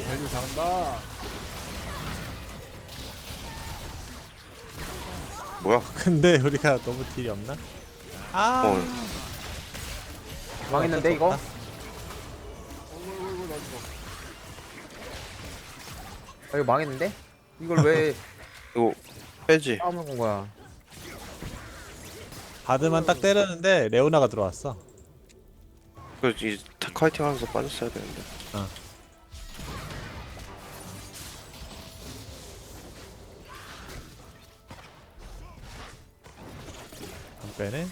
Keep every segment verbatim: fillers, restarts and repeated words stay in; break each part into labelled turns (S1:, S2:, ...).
S1: 밸류 잘한다.
S2: 뭐야?
S3: 근데 우리가 너무 딜이 없나? 아.
S2: 어.
S4: 망했는데 이거?
S1: 어이구 어이구 나 죽어.
S4: 아, 이거 망했는데? 이걸 왜
S2: 이거 빼지.
S4: 싸움을 건 거야?
S3: 바드만 딱 때렸는데 레오나가 들어왔어.
S2: 그 이 테카이팅 하면서 빠졌어야 되는데.
S3: 어. 안 빼네.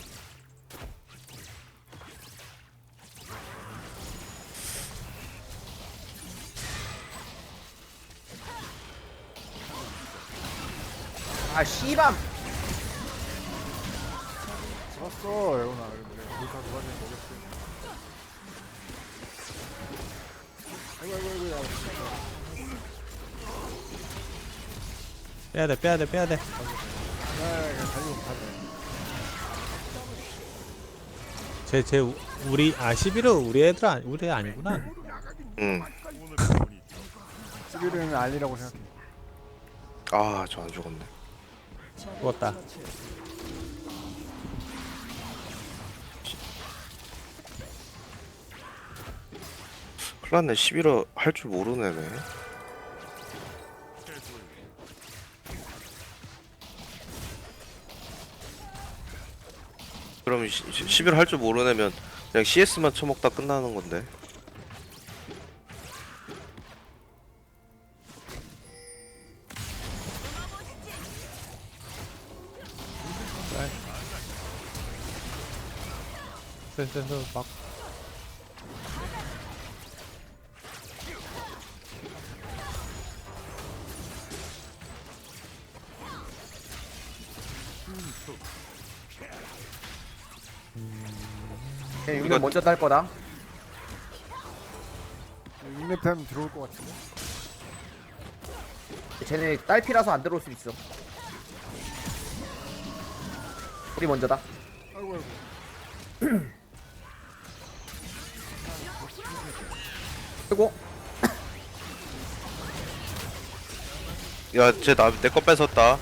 S4: 아 씨밤!
S1: 잡았어 레오나. 근데 루카 누가지 모르겠어. 아이고 아이고 아이고 야.
S3: 빼야 돼, 빼야 돼, 빼야 돼.
S1: 야 그냥 달리고 가자.
S3: 쟤, 쟤 우- 우리 아 십일은 우리 애들 아니 우리 애 아니구나.
S2: 응.
S1: 시비르는 아니라고 생각해.
S2: 아, 저 안 죽었네.
S3: 죽었다.
S2: 큰일났네. 십일호 할 줄 모르네. 네. 그럼 십일 할 줄 모르네면 그냥 씨에스만 쳐먹다 끝나는 건데.
S3: 센센서 막.
S4: 쟤
S2: 이거-
S4: 육렙 먼저 딸 거다.
S1: 육렙 타임 들어올 것 같은데.
S4: 쟤네 딸피라서 안 들어올 수 있어. 우리 먼저다.
S1: 아이고 아이고.
S4: 그리고
S2: 야, 쟤 나 내 거 뺏었다.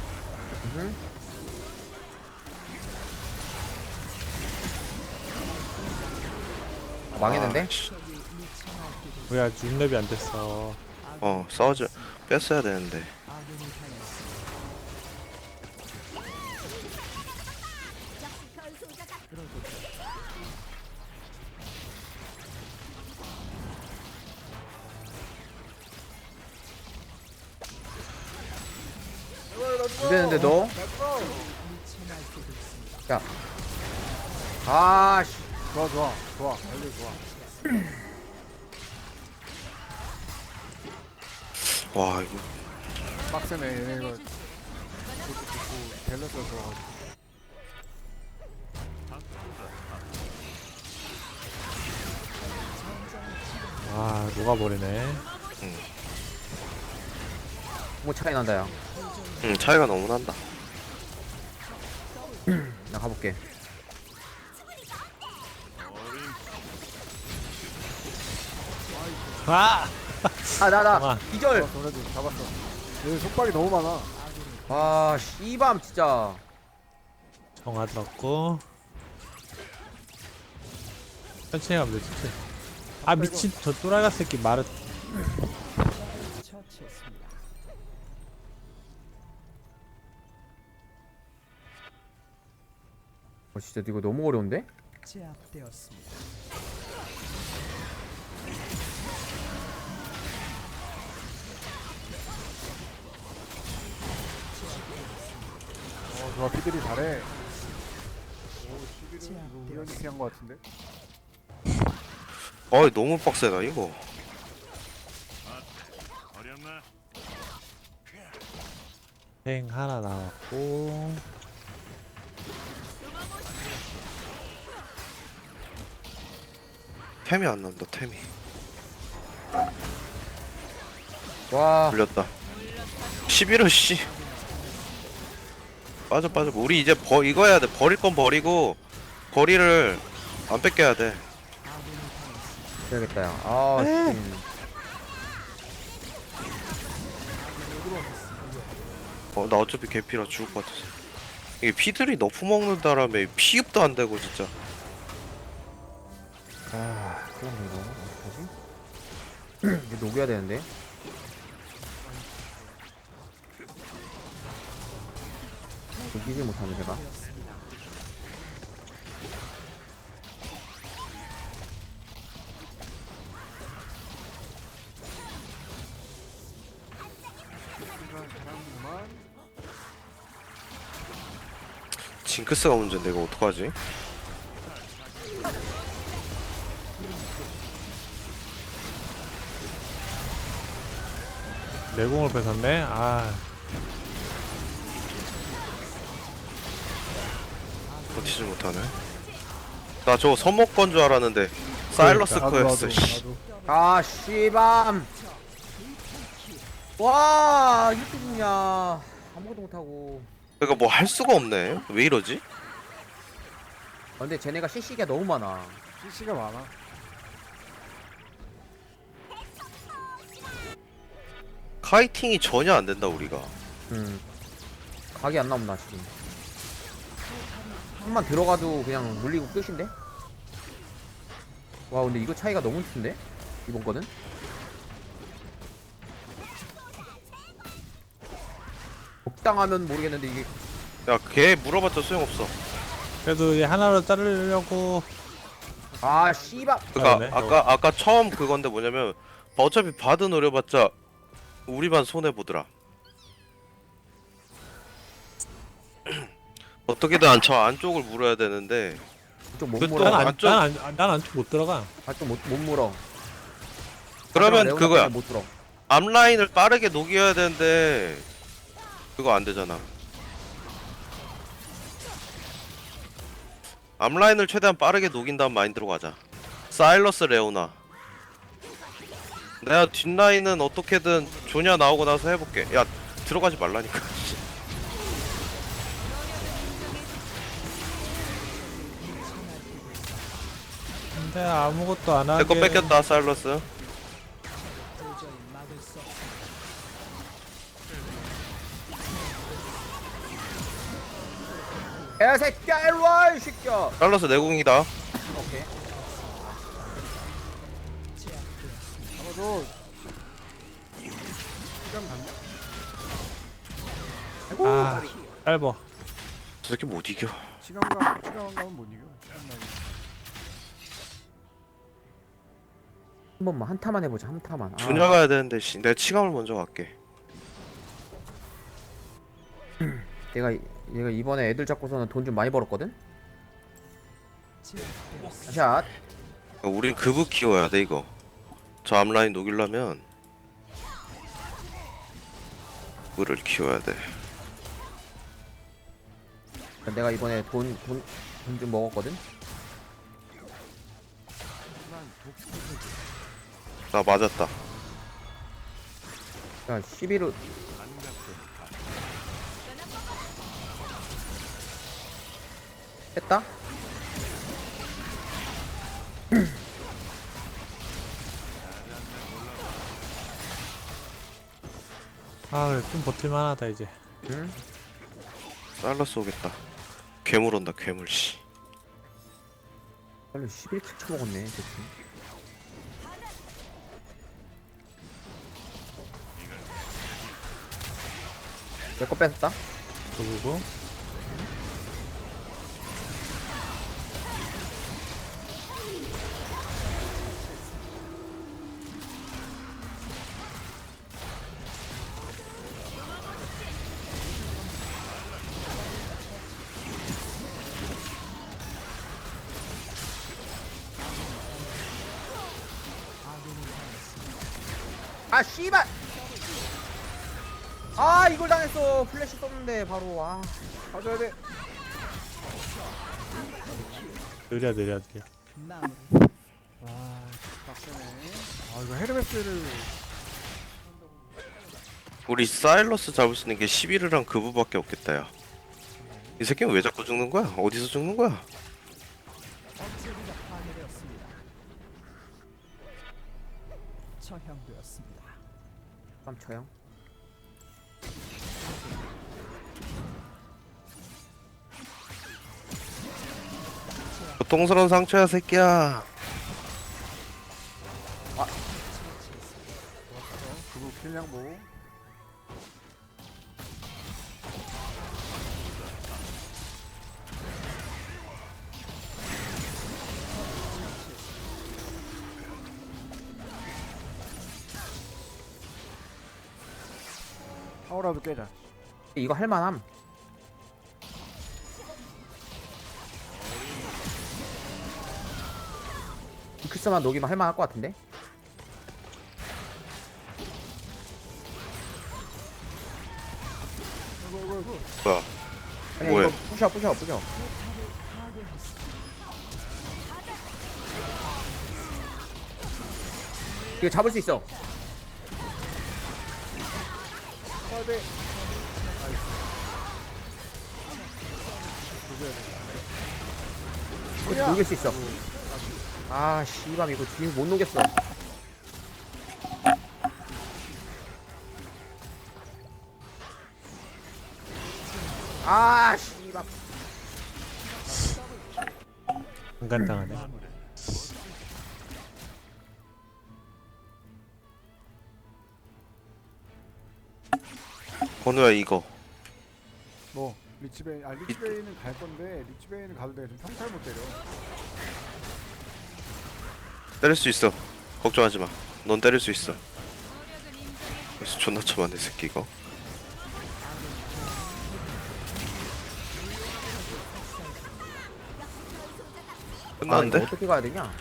S4: 아, 망했는데?
S2: 아, 씨.
S3: 뭐야 육 렙이 안 됐어.
S2: 어, 싸우자. 뺐어야 되는데.
S4: 안 되는데 너? 야. 아 씨.
S1: 좋아 좋아 좋아 밸류 좋아.
S2: 와, 이거.
S1: 빡세네 얘네 이거. 좋고 좋고 밸런스 들어가지고.
S3: 아 녹아버리네.
S4: 뭐 차이 난다 야.
S2: 응, 차이가 너무 난다.
S4: 나 가볼게.
S3: 아.
S4: 아 나 나
S3: 잠깐만.
S4: 기절.
S1: 잡았어 그래도 잡았어. 얘 속박이 너무 많아.
S4: 아 씨밤 진짜.
S3: 정화 들었고. 천천히 가면 돼 천천히. 아 미친 저 또라이가 새끼 말을.
S4: 어 진짜 이거 너무 어려운데?
S5: 제압되었습니다.
S1: 어 좋아 피들이 잘해. 오 시비르는 이거 우연히 피한 것 같은데.
S2: 어이, 너무 빡세다, 이거.
S3: 행 하나 나왔고.
S2: 템이 안 난다, 템이.
S4: 와.
S2: 불렸다. 십일호 씨. 빠져 빠져. 우리 이제 버 이거 해야 돼. 버릴 건 버리고 거리를 안 뺏겨야 돼.
S4: 해야겠다 야. 아 씨.
S2: 어, 나 어차피 개피라 죽을 것 같아서. 이게 피들이 너프 먹는다라며 피흡도 안 되고 진짜.
S4: 아 큰일 났네 이거 어떡하지? 이거 녹여야 되는데. 녹이지 못하네 제가.
S1: 시간 잘하는구만.
S2: 징크스가 문제인데 이거 어떡하지?
S3: 내공을 뺏었네. 아,
S2: 버티지 못하네. 나 저거 서먹 건 줄 알았는데 사일러스
S1: 나도,
S2: 코였어.
S1: 나도,
S2: 씨.
S1: 나도.
S4: 아 씨밤. 와 이렇게 죽냐. 아무것도 못하고.
S2: 그러니까 뭐 할 수가 없네. 왜 이러지?
S4: 아, 근데 쟤네가 씨씨가 너무 많아.
S1: 씨씨가 많아.
S2: 카이팅이 전혀 안 된다 우리가.
S4: 음 각이 안 나온다 지금. 한번 들어가도 그냥 물리고 끝인데? 와 근데 이거 차이가 너무 큰데? 이번 거는? 적당하면 모르겠는데 이게
S2: 야, 걔 물어봤자 소용없어.
S3: 그래도 얘 하나로 자르려고.
S4: 아 씨발.
S2: 그니까
S3: 그러네,
S2: 아까 아까 처음 그건데 뭐냐면 어차피 바드 노려봤자 우리만 손해 보더라. 어떻게든 안 저 안쪽을 물어야 되는데
S4: 좀못
S2: 그
S4: 물어.
S2: 또-
S3: 난 안,
S2: 안쪽-
S3: 난 안, 난 안쪽 못 들어가.
S4: 아좀못 못 물어.
S2: 그러면
S4: 레오나
S2: 그거야.
S4: 때문에 못 들어.
S2: 앞라인을 빠르게 녹여야 되는데 그거 안 되잖아. 앞라인을 최대한 빠르게 녹인 다음 마인드로 가자. 사일러스 레오나. 내가 뒷라인은 어떻게든 조냐 나오고 나서 해볼게. 야 들어가지 말라니까.
S3: 근데 아무것도 안 하게.
S2: 내 거 뺏겼다 사일러스.
S4: 개새끼야 일로와 이 새끼야.
S2: 사일러스 내공이다.
S4: 오케이.
S1: 잡아줘. 시간 갔네.
S4: 아이고.
S3: 아, 짧어.
S2: 저 새끼 못 이겨.
S1: 시간 가 시간 가면 못 이겨. 시간 가면.
S4: 한 번만 한 타만 해보자 한 타만. 아,
S2: 조냐 가야 되는데 씨. 내가 치감을 먼저 갈게.
S4: 내가 얘가 이번에 애들 잡고서는 돈 좀 많이 벌었거든. 샷.
S2: 그러니까 우린 급을 키워야 돼 이거. 저 앞라인 녹이려면 급을 키워야 돼.
S4: 내가 이번에 돈 돈 돈 좀 먹었거든.
S2: 나 맞았다.
S4: 야 십일을 했다.
S3: 아, 그래, 좀 버틸만하다 이제.
S4: 응?
S2: 사일러스 오겠다. 괴물 온다 괴물 씨.
S4: 빨리 십일 킬 쳐먹었네 대충. 내 거 뺏었다.
S3: 그리고
S4: 아 씨발. 아 이걸 당했어. 플래시 썼는데 바로. 아
S1: 가져야 돼.
S3: 느려 느려 느려.
S1: 아 빡세네. 아 이거 헤르메스를
S2: 우리 사일러스 잡을 수 있는 게 십일이랑 그부밖에 없겠다 야. 이 새끼는 왜 자꾸 죽는 거야? 어디서 죽는 거야?
S5: 처형되었습니다.
S4: 깜쳐요.
S2: 고통스러운 상처야 새끼야.
S1: 그리고 킬량보. 타워라도 깨자.
S4: 이거 할만함. 잉크스만 녹이면 할만할 것 같은데?
S1: 아이고 아이고 아이고.
S2: 뭐야?
S4: 아니
S2: 뭐야?
S4: 이거 부셔 부셔 부셔. 이거 잡을 수 있어.
S1: 아, 네. 조져야 돼.
S4: 이거 녹일 수 있어. 아 씨발 이거 뒤에 못 녹였어. 아 씨발.
S3: 인간당하네.
S2: 건우야 이거.
S1: 뭐 리치베인, 아 리치베인은 갈 건데 리치베인은 가도 돼. 좀 평탈 못 때려.
S2: 때릴 수 있어. 걱정하지 마. 넌 때릴 수 있어. 그래서 존나 처만네 새끼 이거.
S4: 아,
S2: 끝났는데?
S4: 이거 어떻게 가야 되냐?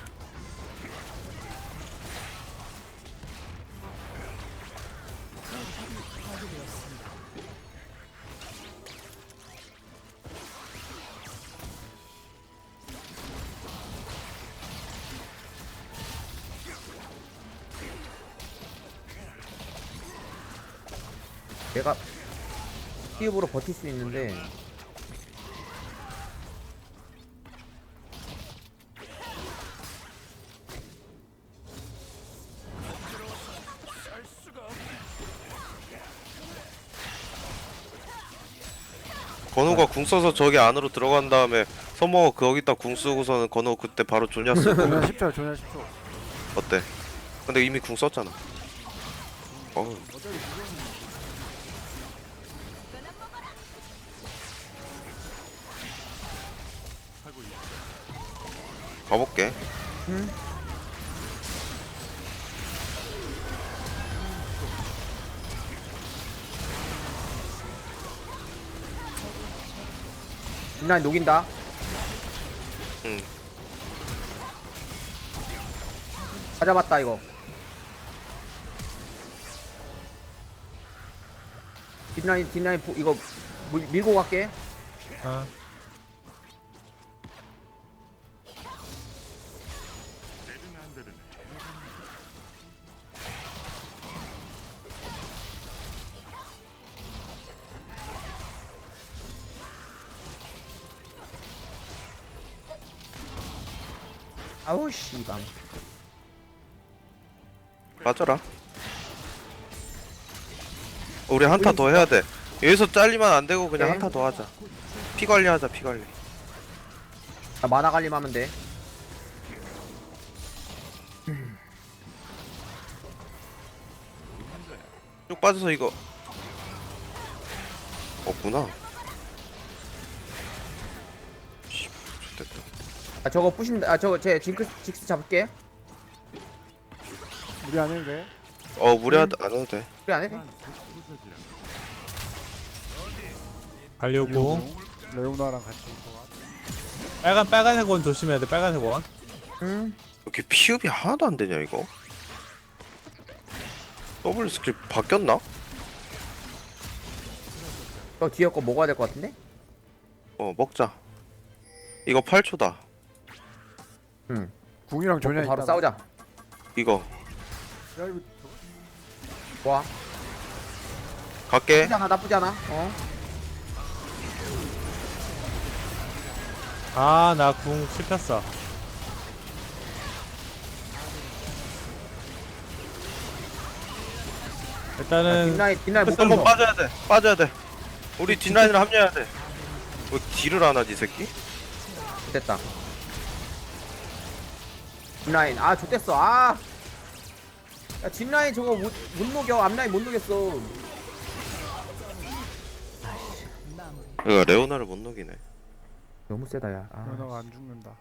S4: 내가 피읍으로 버틸 수 있는데
S2: 건우가 궁 써서 저기 안으로 들어간 다음에 서머 거기다 궁 쓰고서는 건우 그때 바로 조냐 쓰고
S1: 조냐 십 초, 조냐 십 초.
S2: 어때? 근데 이미 궁 썼잖아. 어우
S1: 어차피 지금
S2: 가볼게.
S4: 응? 뒷라인 녹인다.
S2: 응.
S4: 찾아봤다 이거. 뒷라인 뒷라인 보- 이거 밀, 밀고 갈게.
S3: 아,
S4: 아우 씨발.
S2: 빠져라. 우리 한타 더 해야 돼. 여기서 잘리면 안 되고 그냥
S4: 네.
S2: 한타 더 하자. 피 관리하자 피 관리.
S4: 나 만화 관리하면 돼.
S2: 쭉 빠져서 이거 없구나. 씨, 좋됐다.
S4: 아 저거 부신다. 아 저거 제 징크 직스 잡을게.
S1: 무리 안 해도 돼.
S2: 어 무리하다 안 해도 돼.
S4: 그래 안 해?
S3: 가려고.
S1: 레오나랑 같이 있어.
S3: 빨간 빨간색 원 조심해야 돼. 빨간색 원.
S4: 응.
S2: 이렇게 피흡이 하나도 안 되냐 이거? 더블 스킬 바뀌었나?
S4: 저 뒤에 거 먹어야 될 것 같은데?
S2: 어 먹자. 이거 팔 초다.
S4: 응.
S1: 궁이랑 조냐
S4: 바로
S1: 있다.
S4: 싸우자.
S2: 이거
S1: 야 이거
S4: 좋아.
S2: 갈게.
S4: 나쁘지 않아 나쁘지 않아. 어.
S3: 아, 나 궁 씹혔어. 일단은
S4: 뒷라인 뒷라인 못
S2: 한번
S4: 던져.
S2: 빠져야 돼. 빠져야 돼. 우리 뒷라인으로 합류해야 돼. 왜 딜을 안 하지 이 새끼?
S4: 됐다. 뒷라인 아 좋댔어 아. 야 뒷라인 저거 못, 못 녹여 앞라인 못 녹였어.
S2: 그러니까 레오나를 못 녹이네.
S4: 너무 세다 야. 아,
S1: 연어가 안 죽는다.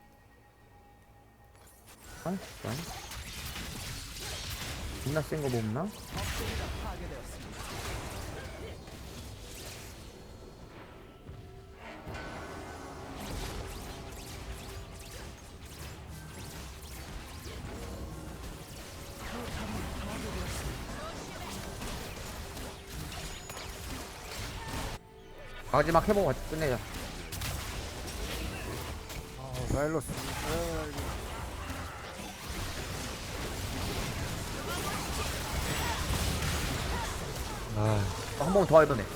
S4: 아, 아니? 존나 센 거 없나? 마지막 해보고 같이 끝내자.
S1: 아, 사일러스. 아이고.
S3: 아,
S4: 한 번 더 해보네.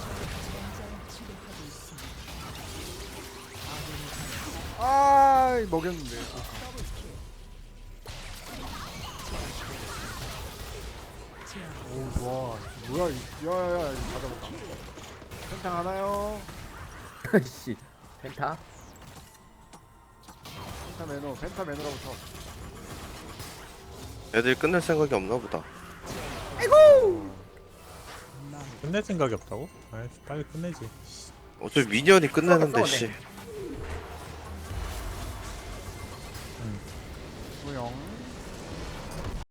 S1: 아, 먹였는데. 오, 좋아. 뭐야, 이- 야야야, 이거 가져볼까? 펜탕 하나요?
S4: 씨, 펜타?
S1: 펜타 매너, 펜타 매너라고 쳐.
S2: 애들이 끝낼 생각이 없나 보다.
S3: 끝낼 생각이 없다고? 아, 빨리 끝내지.
S2: 어차피 미니언이 끝내는데
S4: 썩었어,
S2: 씨.
S1: 무용.